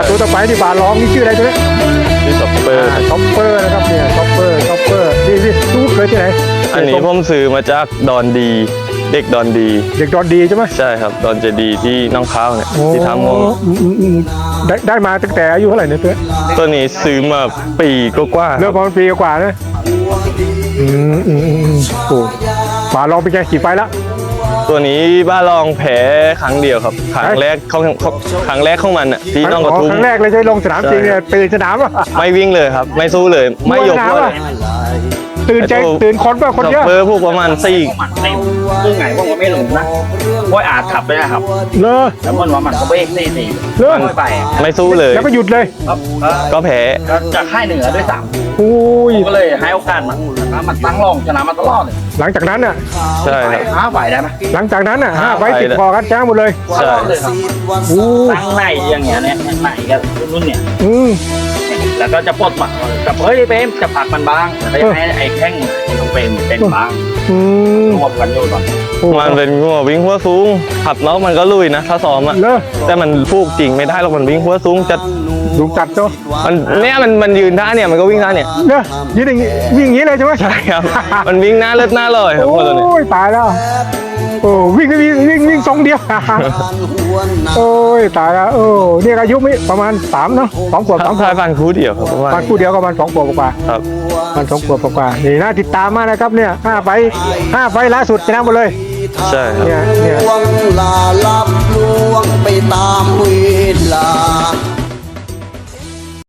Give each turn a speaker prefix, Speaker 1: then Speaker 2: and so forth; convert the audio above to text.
Speaker 1: ตัวต่อไปที่บาลองนี่ชื่ออะไรตัวนี้
Speaker 2: ที่ช็อปเปอร์
Speaker 1: ช็อปเปอร์นะครับเนี่ยช็อปเปอร์นี่ลูกเคยที่ไหน
Speaker 2: อันนี้ผมซื้อมาจากดอนดี เด็กดอนดี
Speaker 1: เด็กดอนดีใช่ไหม
Speaker 2: ใช่ครับดอนเจดีที่น้องข้าวเนี่ยที่ทำงง
Speaker 1: ได้มาตั้งแต่อายุเท่าไหร่เนี่ยตัว
Speaker 2: ตัวนี้ซื้อมาปีกว่าๆ
Speaker 1: เริ่มประมาณปีกว่านะโอ้บาลองเป็นไงกี่ไฟแล้ว
Speaker 2: ตัวนี้บ้าลองแพ้ครั้งเดียวครับครั้งแรกครั้งแรกของมันอ่ะที่น้องกระทุ่ม
Speaker 1: ครั้งแรกเลยใช่ลงสนามจริงเนี่ยตื่นสนามป่ะ
Speaker 2: ไม่วิ่งเลยครับ ไม่สู้เลยไม่ยกด้วย
Speaker 1: ตื่นใจตื่นคนป่ะคน
Speaker 2: ช็อป
Speaker 1: เยอะ
Speaker 2: เปอร์พวกประมาณ4
Speaker 3: มันเต็มซึ่งไงพวกมันไม่หลงนะพวกอาจขับไปนะครับ
Speaker 1: เลอ
Speaker 3: แล้วมันว่ามันก็เบรกนี่
Speaker 1: เลอ
Speaker 3: ไม่ไป
Speaker 2: ไม่สู้เลย
Speaker 1: แล้วก็หยุดเลย
Speaker 2: ก็แพ้
Speaker 3: ก็จะค่ายเหนือด้วยซ้
Speaker 1: โอ้ย
Speaker 3: ำก็เลยให้โอกาสมันตั้งรองชนะมาตลอดเลย
Speaker 1: หลังจากนั้นน่ะ
Speaker 2: ใช่ครับ
Speaker 3: หาไหวได้ไหม
Speaker 1: หลังจากนั้นน่ะ5 ไฟติด
Speaker 2: 5
Speaker 1: พอกันจ้างหมดเลย
Speaker 2: ใช่
Speaker 3: เลยครับ
Speaker 1: โอ้
Speaker 3: ตั้งไหนอย่างเงี้ยเนี่ยไหนกันรุ่นเนี่ย แล้วก็จะปลดหมัดกับเฮ้ยเปมจะผลักมันบ้างแล้วก็ให้ไอ้แข้งของเปมเป็นบ้างรวมกันอยู่ตอน
Speaker 2: มันเป็นงัววิ่งหัวสูงขับแล้วมันก็ลุยนะถ้าซ้อมอ่ะ
Speaker 1: เลอ
Speaker 2: แต่มันฟูกจริงไม่ได้หรอกมันวิ่งหัวสูงจะ
Speaker 1: ดูจัดเนาะ
Speaker 2: มันยืนท่าเนี่ยมันก็วิ่งท่าเนี่ย
Speaker 1: เลอยืนอย่างงี้วิ่งอย่างงี้เลยใช่ไหม
Speaker 2: ใช่ครับ มันวิ่งหน้าเลิศหน้าลอยครับ
Speaker 1: โอ
Speaker 2: คนตัวเนี้
Speaker 1: ้ยตายแล้วโอ้วิ่งทรงเดียว โอ้ยตายแล้วเนี่ยอายุไม่ประมาณ3เนาะ2 ขวบ
Speaker 2: ต้องพายฟันคู่เดียวครับเพราะว่า
Speaker 1: ประมาณคู่เดียวก็ประมาณ2 ขวบกว่า
Speaker 2: ครับ
Speaker 1: มัน2 ขวบกว่านี่น่าติดตามมากนะครับเนี่ย5 ไฟล่าสุดชนะหมดเลย
Speaker 2: ใช่ครับ
Speaker 1: เนี่ย
Speaker 4: ลวงลาลับลวงไปตามเวลา